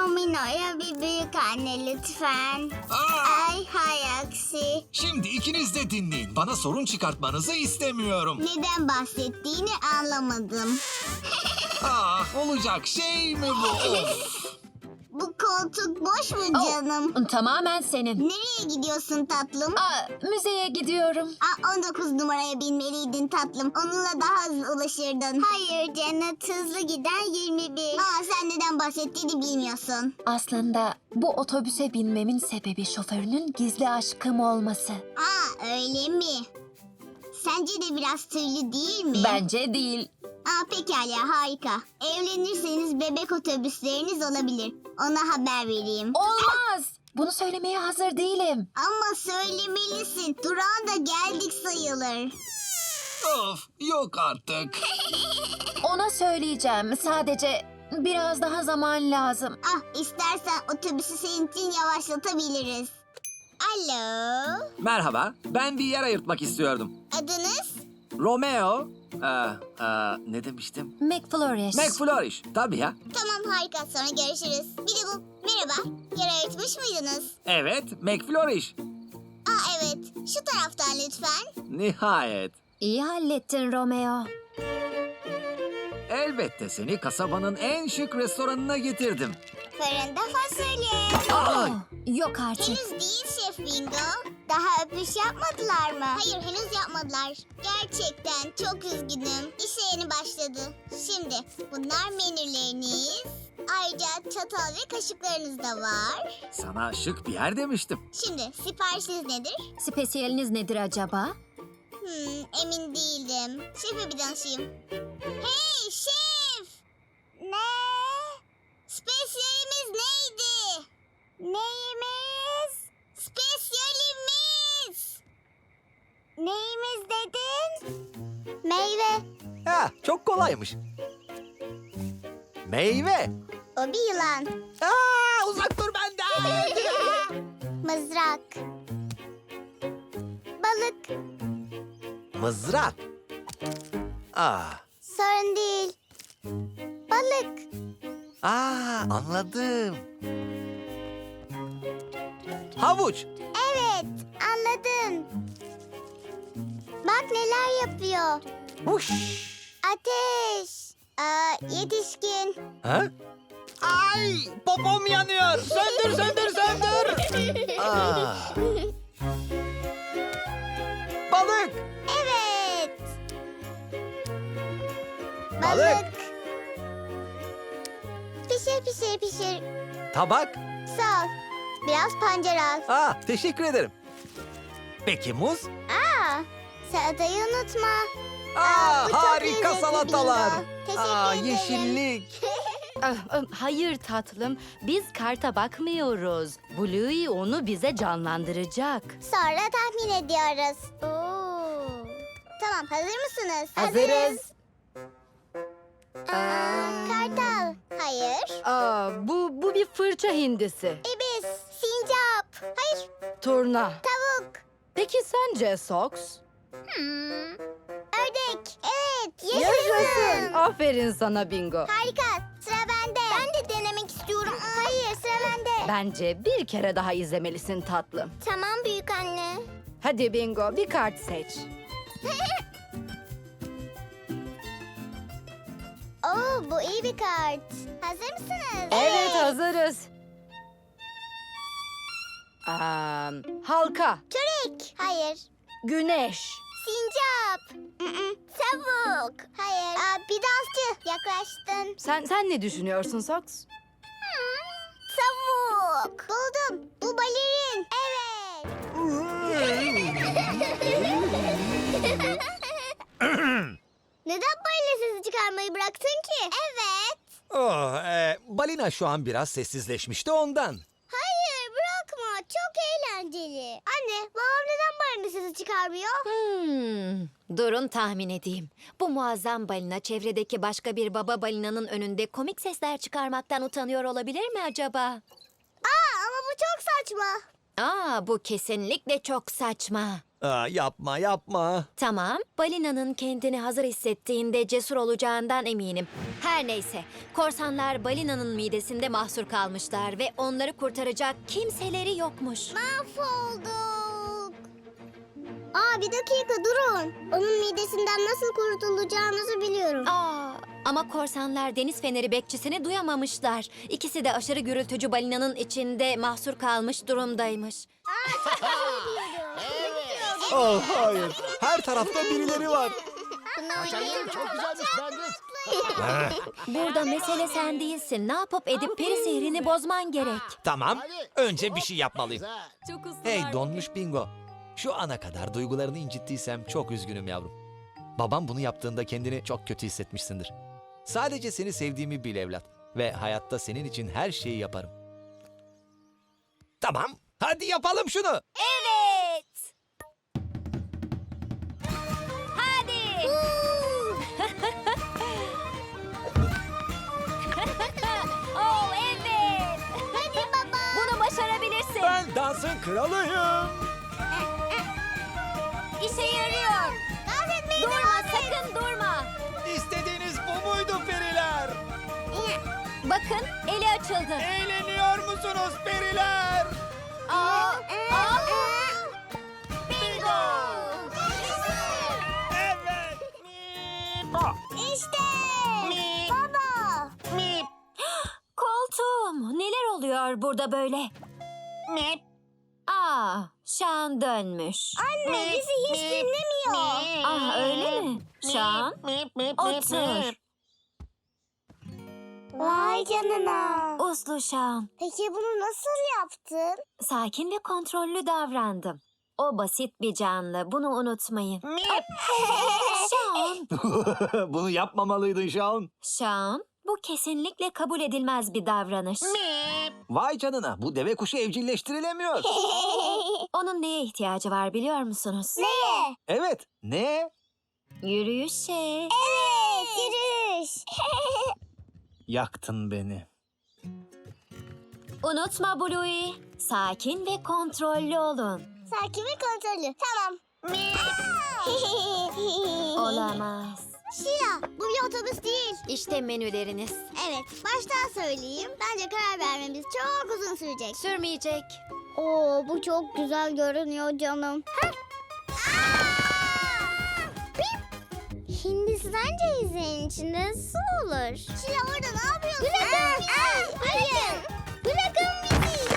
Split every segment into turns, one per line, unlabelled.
Domino'ya bir büyük anne lütfen. Ay hay aksi.
Şimdi ikiniz de dinleyin. Bana sorun çıkartmanızı istemiyorum.
Neden bahsettiğini anlamadım.
Olacak şey mi bu? Of.
Bu koltuk boş mu canım?
Tamamen senin.
Nereye gidiyorsun tatlım?
Müzeye gidiyorum.
19 numaraya binmeliydin tatlım. Onunla daha hızlı ulaşırdın. Hayır Cennet, hızlı giden 21. Sen neden bahsettiğini bilmiyorsun.
Aslında bu otobüse binmemin sebebi şoförünün gizli aşkım olması.
Öyle mi? Sence de biraz tüylü değil mi?
Bence değil.
Pekala, harika. Evlenirseniz bebek otobüsleriniz olabilir. Ona haber vereyim.
Olmaz. Bunu söylemeye hazır değilim.
Ama söylemelisin. Durağa da geldik sayılır.
Of, yok artık.
Ona söyleyeceğim. Sadece biraz daha zaman lazım.
İstersen otobüsü senin için yavaşlatabiliriz. Alo.
Merhaba, ben bir yer ayırtmak istiyordum.
Adınız?
Romeo, ne demiştim?
McFlourish.
McFlourish, tabii ya.
Tamam, harika. Sonra görüşürüz. Bir de bu. Merhaba. Yer ayırtmış mıydınız?
Evet, McFlourish.
Evet. Şu taraftan lütfen.
Nihayet.
İyi hallettin Romeo.
Elbette seni kasabanın en şık restoranına getirdim.
Fırında fasulye.
Yok artık.
Henüz değil Şef Bingo. Daha öpüş yapmadılar mı? Hayır, henüz yapmadılar. Gerçekten çok üzgünüm. İşe yeni başladı. Şimdi bunlar menüleriniz. Ayrıca çatal ve kaşıklarınız da var.
Sana şık bir yer demiştim.
Şimdi siparişiniz nedir?
Spesiyeliniz nedir acaba?
Emin değildim. Şefe bir danışayım. Hey şef! Ne? Spesiyelimiz neydi? Neyimiz? Spesiyelimiz! Neyimiz dedin? Meyve.
Çok kolaymış. Meyve.
O bir yılan.
Uzak dur benden.
Mızrak. Balık.
Mızrak.
Sorun değil. Balık.
Anladım. Havuç.
Evet, anladın. Bak neler yapıyor.
Huş.
Ateş. Yetişkin.
Ha? Ay, popom yanıyor. Söndür, söndür, söndür. Balık.
Evet.
Balık.
Pişir pişir pişir.
Tabak.
Sağ ol. Biraz pancar al.
Teşekkür ederim. Peki muz?
Salatayı unutma. Bu çok
Harika
lezzetli
salatalar.
bingo. Teşekkür ederim.
Yeşillik.
Hayır tatlım, biz karta bakmıyoruz. Bluey onu bize canlandıracak.
Sonra tahmin ediyoruz. Tamam, hazır mısınız?
Hazırız.
Kartal. Hayır.
Bu bir fırça hindisi.
İbis. Sincap. Hayır.
Turna.
Tavuk.
Peki sence Sox?
Ördek. Evet. Yaşasın.
Aferin sana Bingo.
Harika. Sıra bende. Ben de denemek istiyorum. Hayır, sıra bende.
Bence bir kere daha izlemelisin tatlım.
Tamam büyük anne.
Hadi Bingo, bir kart seç.
Bu iyi bir kart. Hazır mısınız?
Evet, hazırız. Halka,
Çörek. Hayır.
güneş,
Sincap. Tavuk. Hayır. Bir dansçı. Yaklaştın.
sen ne düşünüyorsun Sox?
Tavuk. Buldum. Bu balerin. Evet. Neden balina sesi çıkarmayı bıraktın ki? Evet.
Balina şu an biraz sessizleşmişti ondan.
Hayır bırakma. Çok eğlenceli. Anne babam neden balina sesi çıkarmıyor?
Durun tahmin edeyim. Bu muazzam balina çevredeki başka bir baba balinanın önünde komik sesler çıkarmaktan utanıyor olabilir mi acaba?
Ama bu çok saçma.
Bu kesinlikle çok saçma.
Yapma yapma.
Tamam, balinanın kendini hazır hissettiğinde cesur olacağından eminim. Her neyse, korsanlar balinanın midesinde mahsur kalmışlar ve onları kurtaracak kimseleri yokmuş.
Mahvolduk. Aa, bir dakika durun. Onun midesinden nasıl kurtulacağınızı biliyorum.
Ama korsanlar deniz feneri bekçisini duyamamışlar. İkisi de aşırı gürültücü balinanın içinde mahsur kalmış durumdaymış.
Oh hayır. Her tarafta birileri var.
Çok güzelmiş Bandit.
Burada mesele sen değilsin. Ne yapıp edip peri sihrini bozman gerek.
Tamam. Önce bir şey yapmalıyım.
Güzel.
Hey donmuş Bingo. Şu ana kadar duygularını incittiysem çok üzgünüm yavrum. Babam bunu yaptığında kendini çok kötü hissetmişsindir. Sadece seni sevdiğimi bil evlat. Ve hayatta senin için her şeyi yaparım. Tamam. Hadi yapalım şunu.
Evet. Hadi. Oh evet.
Hadi baba.
Bunu başarabilirsin.
Ben dansın kralıyım.
İşe yarıyor.
Dans etmeyi
Durma,
devam et.
sakın durma.
İstediğiniz bu muydu periler?
Bakın, eli açıldı.
Eğleniyor musunuz periler?
Bingo!
Evet.
İşte. Baba.
Koltuğum, neler oluyor burada böyle? Şan dönmüş.
Anne bizi hiç dinlemiyor.
Öyle mi? Şan, otur.
Vay canına.
Uslu Şan.
Peki bunu nasıl yaptın?
Sakin ve kontrollü davrandım. O basit bir canlı, bunu unutmayın. Şan,
Bunu yapmamalıydın Şaun.
Şan, bu kesinlikle kabul edilmez bir davranış.
Vay canına, bu deve kuşu evcilleştirilemiyor.
Onun neye ihtiyacı var biliyor musunuz?
Neye?
Evet, ne?
Yürüyüşe.
Evet, yürüyüş.
Yaktın beni.
Unutma Bluey, sakin ve kontrollü olun.
Sakin ve kontrollü. Tamam.
Olamaz.
Şila, bu bir otobüs değil.
İşte menüleriniz.
Evet, baştan söyleyeyim. Bence karar vermemiz çok uzun sürecek.
Sürmeyecek.
Oo, bu çok güzel görünüyor canım. Hindistan cevizinin içinde su olur. Şila orada ne yapıyorsun? Bırakın bizi. Hayır. Bırakın bizi.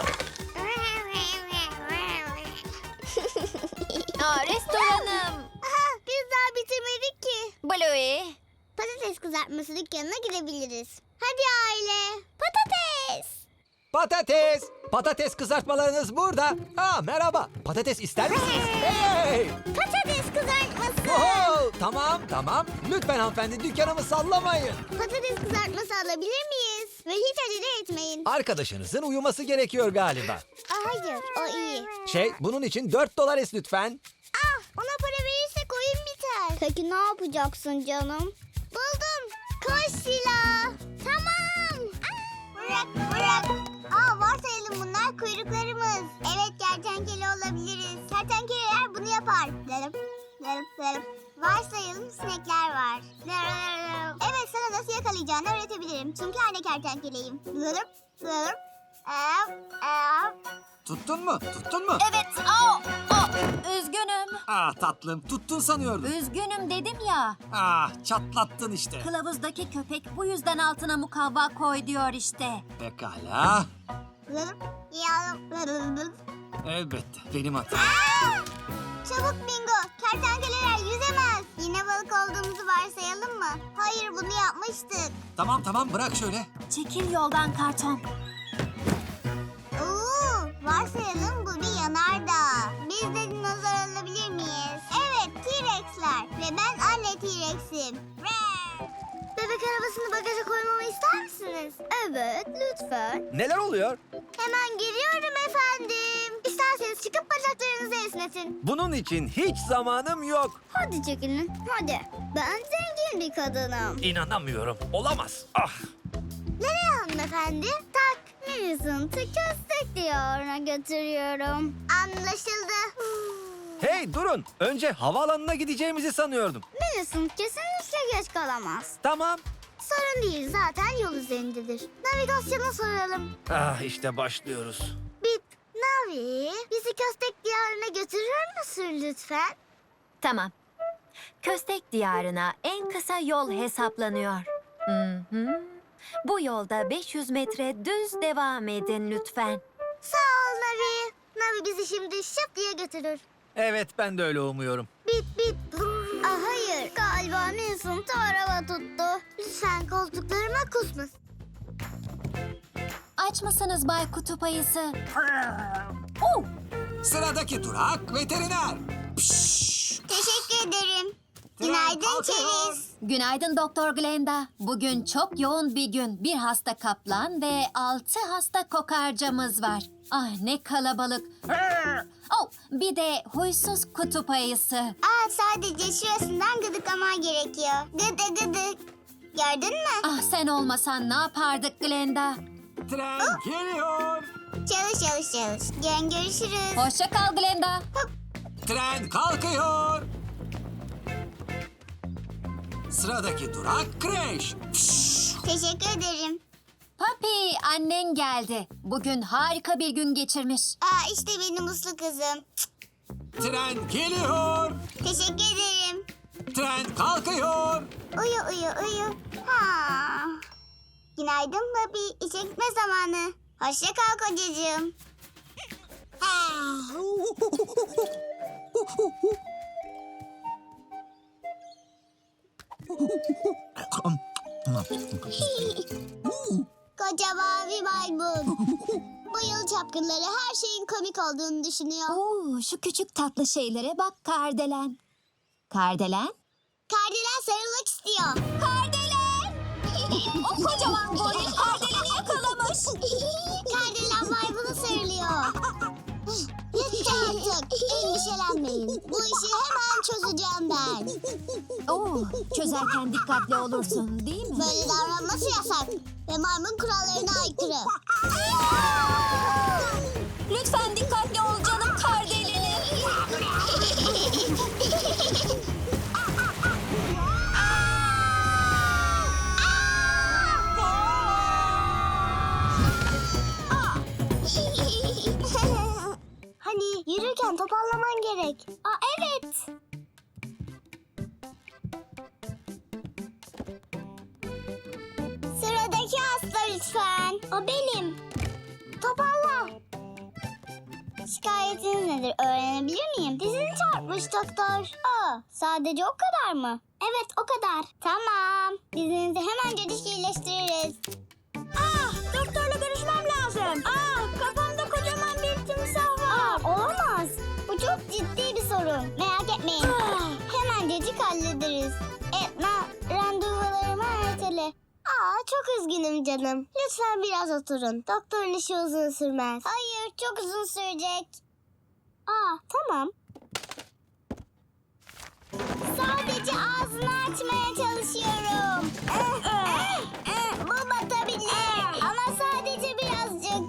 Restoranım.
Aha, biz daha bitirmedik ki.
Bluey.
Patates kızartması dükkanına gidebiliriz. Hadi aile. Patates.
Patates. Patates kızartmalarınız burada. Merhaba. Patates ister misiniz? Hey.
Patates kızartması.
Oho, tamam. Lütfen hanımefendi dükkanımı sallamayın.
Patates kızartması alabilir miyiz? Ve hiç acele etmeyin.
Arkadaşınızın uyuması gerekiyor galiba.
Hayır, o iyi.
Bunun için $4 es lütfen.
Ona para verirsek oyun biter. Peki ne yapacaksın canım? Buldum. Koş Şila. Tamam. Bırak. Varsayalım bunlar kuyruklarımız. Evet, kertenkele olabiliriz. Kertenkeleler bunu yapar. Larıp. Varsayalım sinekler var. Evet, sana nasıl yakalayacağını öğretebilirim. Çünkü anne kertenkeleyim. Larıp.
Tuttun mu?
Evet. Üzgünüm.
Tatlım, tuttun sanıyordum.
Üzgünüm dedim ya.
Çatlattın işte.
Kılavuzdaki köpek bu yüzden altına mukavva koy diyor işte.
Pekala.
Larıp.
Elbette, benim hatam.
Çabuk Bingo, kertenkeleler yüzemez. Yine balık olduğumuzu varsayalım mı? Hayır, bunu yapmıştık.
Tamam, bırak şöyle.
Çekil yoldan karton.
Varsayalım bu bir yanardağ. Biz de dinozor alabilir miyiz? Evet, T-Rex'ler. Ve ben anne T-Rex'im. Bebek arabasını bagaja koymamı ister misiniz? Evet, lütfen.
Neler oluyor?
Hemen geliyorum efendim. İsterseniz çıkıp bacaklarınızı esnetin.
Bunun için hiç zamanım yok.
Hadi çekilin, hadi. Ben zengin bir kadınım.
İnanamıyorum. Olamaz.
Nereye hanımefendi? Tak. Millicent'ı köstek diyarına götürüyorum. Anlaşıldı.
Hey durun. Önce havaalanına gideceğimizi sanıyordum.
Minison kesinlikle geç kalamaz.
Tamam.
Sorun değil, zaten yol üzerindedir. Navigasyona soralım.
Ah işte başlıyoruz.
Bip, Navi, bizi Köstek Diyarı'na götürür müsün lütfen?
Tamam. Köstek diyarına en kısa yol hesaplanıyor. Hı hı. Bu yolda 500 metre düz devam edin lütfen.
Sağ ol Navi. Navi bizi şimdi şıp diye götürür.
Evet ben de öyle umuyorum.
Bip bip. Hayır, galiba Minson araba tuttu. Lütfen koltuklarıma kusmasın.
Aç mısınız Bay Kutup Ayısı? Oh!
Sıradaki durak veteriner.
Teşekkür ederim.
Tren
Günaydın
kalkıyor.
Çeriz.
Günaydın Doktor Glenda. Bugün çok yoğun bir gün. Bir hasta kaplan ve 6 hasta kokarcamız var. Ah ne kalabalık. Oh, bir de huysuz kutup ayısı.
Sadece şurasından gıdıklaman gerekiyor. Gıdı gıdı. Gördün mü?
Ah sen olmasan ne yapardık Glenda?
Tren geliyor.
Çalış çalış çalış. Yarın görüşürüz.
Hoşça kal Glenda.
Tren kalkıyor. Sıradaki durak kreş.
Teşekkür ederim.
Papi annen geldi. Bugün harika bir gün geçirmiş.
İşte benim uslu kızım.
Tren geliyor.
Teşekkür ederim.
Tren kalkıyor.
Uyu uyu uyu. Ha. Günaydın Papi. İşe gitme zamanı. Hoşça kal kocacığım. Koca mavi maymun. Bu yıl çapkınları her şeyin komik olduğunu düşünüyor.
Oo, şu küçük tatlı şeylere bak Kardelen. Kardelen?
Kardelen sarılmak istiyor.
Kardelen! O kocaman boyu Kardelen'i yakalamış.
Kardelen maymunu sarılıyor. Yeter artık. Endişelenmeyin. Bu işi hemen çözeceğim ben.
Oo, çözerken dikkatli olursun değil mi?
Böyle davranması yasak. Ve maymun kurallarına aykırı.
Lütfen dikkatli ol canım Kardelen'im.
Hani yürürken toparlaman gerek. Evet. Sıradaki hasta lütfen. O benim. Toparla. Şikayetiniz nedir öğrenebilir miyim? Dizini çarpmış doktor. Sadece o kadar mı? Evet o kadar. Tamam. Dizinizi hemen iyileştiririz. Doktorla görüşmem lazım. Kafamda kocaman bir timsah var. Olamaz. Bu çok ciddi bir sorun. Merak etmeyin. Hemencecik hallederiz. Etna, randevularımı ertele. Çok üzgünüm canım. Lütfen biraz oturun. Doktorun işi uzun sürmez. Hayır, çok uzun sürecek. Tamam. Sadece ağzını açmaya çalışıyorum. Bu batabilir. Ama sadece birazcık.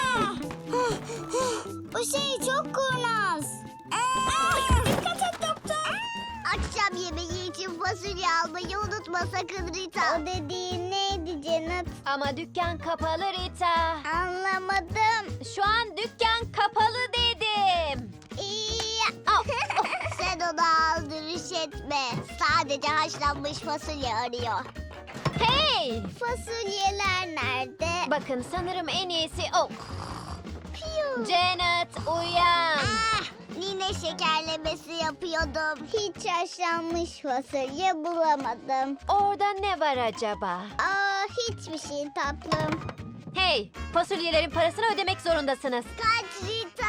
Bu şey çok kurnaz. Dikkat et doktor. Akşam yemeği için fasulye almayı unutma sakın Rita. O dediğin neydi Cennet?
Ama dükkan kapalı Rita.
Anlamadım.
Şu an dükkan kapalı dedim.
Sen onu aldırış etme. Sadece haşlanmış fasulye arıyor.
Hey!
Fasulyeler nerede?
Bakın sanırım en iyisi o.
Piyu.
Janet uyan.
Nine şekerlemesi yapıyordum. Hiç haşlanmış fasulye bulamadım.
Orada ne var acaba?
Hiçbir şey tatlım.
Hey, fasulyelerin parasını ödemek zorundasınız.
Kaç Rita.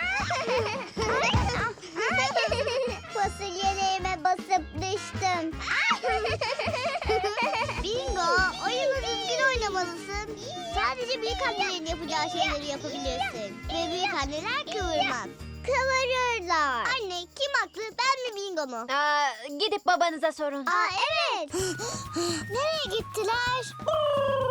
Fasulyelerime basıp düştüm. Bingo, oyunu düzgün oynamalısın. Sadece büyük annelerin yapacağı şeyleri yapabilirsin. Ve büyük anneler kıvırmaz. Kıvırırlar. Anne kim haklı, ben mi Bingo mu?
Gidip babanıza sorun.
Evet. Nereye gittiler?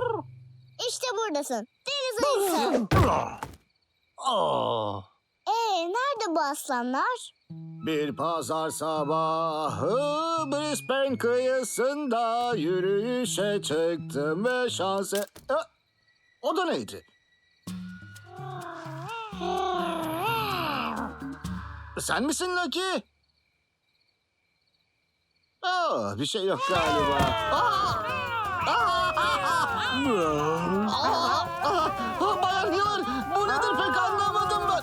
İşte buradasın. Deniz ayısı. nerede bu aslanlar?
Bir pazar sabahı Brisbane kıyısında yürüyüşe çıktım ve şanse... O da neydi? Sen misin Lucky? Bir şey yok galiba. Bayan Hill, bu nedir pek anlamadım ben.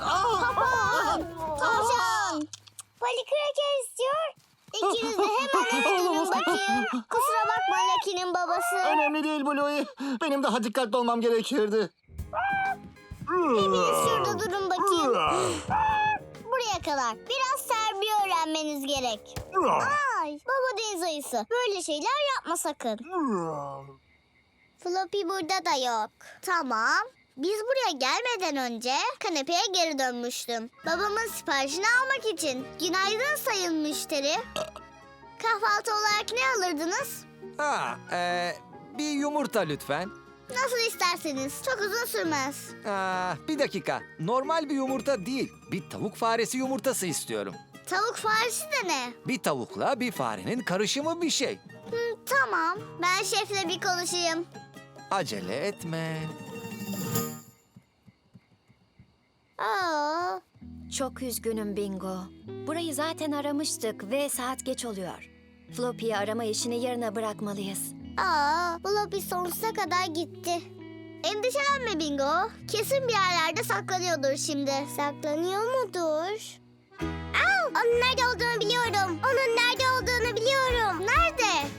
Tavşan. Polly Cracker istiyor. İkiniz de hemen eve dönün bakayım. Kusura bakma Lucky'nin babası.
Önemli değil Bluey. Benim daha dikkatli olmam gerekirdi.
Hepiniz şurada durun bakayım. Buraya kadar. Biraz terbiye öğrenmeniz gerek. Ay, baba deniz ayısı. Böyle şeyler yapma sakın. Floppy burada da yok. Tamam. Biz buraya gelmeden önce kanepeye geri dönmüştüm. Babamın siparişini almak için. Günaydın sayın müşteri. Kahvaltı olarak ne alırdınız?
Bir yumurta lütfen.
Nasıl isterseniz. Çok uzun sürmez.
Bir dakika. Normal bir yumurta değil. Bir tavuk faresi yumurtası istiyorum.
Tavuk faresi de ne?
Bir tavukla bir farenin karışımı bir şey.
Tamam. Ben şefle bir konuşayım.
Acele etme.
Aa,
Çok üzgünüm Bingo. Burayı zaten aramıştık ve saat geç oluyor. Floppy'yi arama işini yarına bırakmalıyız.
Floppy sonsuza kadar gitti. Endişelenme Bingo. Kesin bir yerlerde saklanıyordur şimdi. Saklanıyor mudur? Onun nerede olduğunu biliyorum. Onun nerede olduğunu biliyorum. Nerede?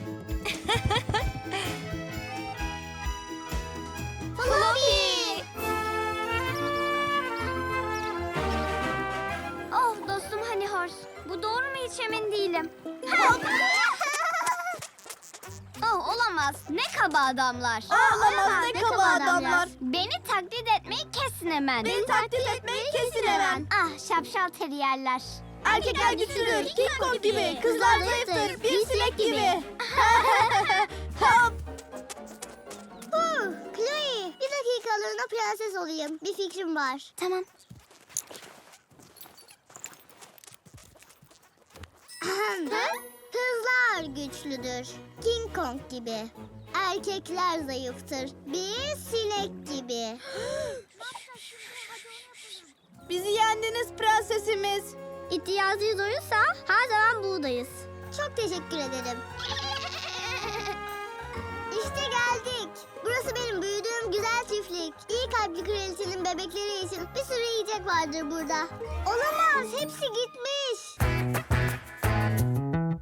Floppy!
Oh dostum Honey Horse. Bu doğru mu hiç emin değilim. Oh olamaz. Ne kaba adamlar.
Olamaz, ne kaba adamlar.
Beni taklit etmeyi kesin hemen. Beni taklit etmeyi kesin hemen. Ah şapşal teriyerler.
Erkekler güçlüdür, King Kong gibi. Kızlar zayıftır, bir sinek gibi. Chloe, bir dakikalığına prenses olayım. Bir fikrim var.
Tamam.
Kızlar güçlüdür, King Kong gibi. Erkekler zayıftır, bir sinek gibi.
Bizi yendiniz prensesimiz.
İhtiyacınız olursa her zaman buradayız. Çok teşekkür ederim. İşte geldik. Burası benim büyüdüğüm güzel çiftlik. İyi kalpli kraliçenin bebekleri için bir sürü yiyecek vardır burada. Olamaz, hepsi gitmiş.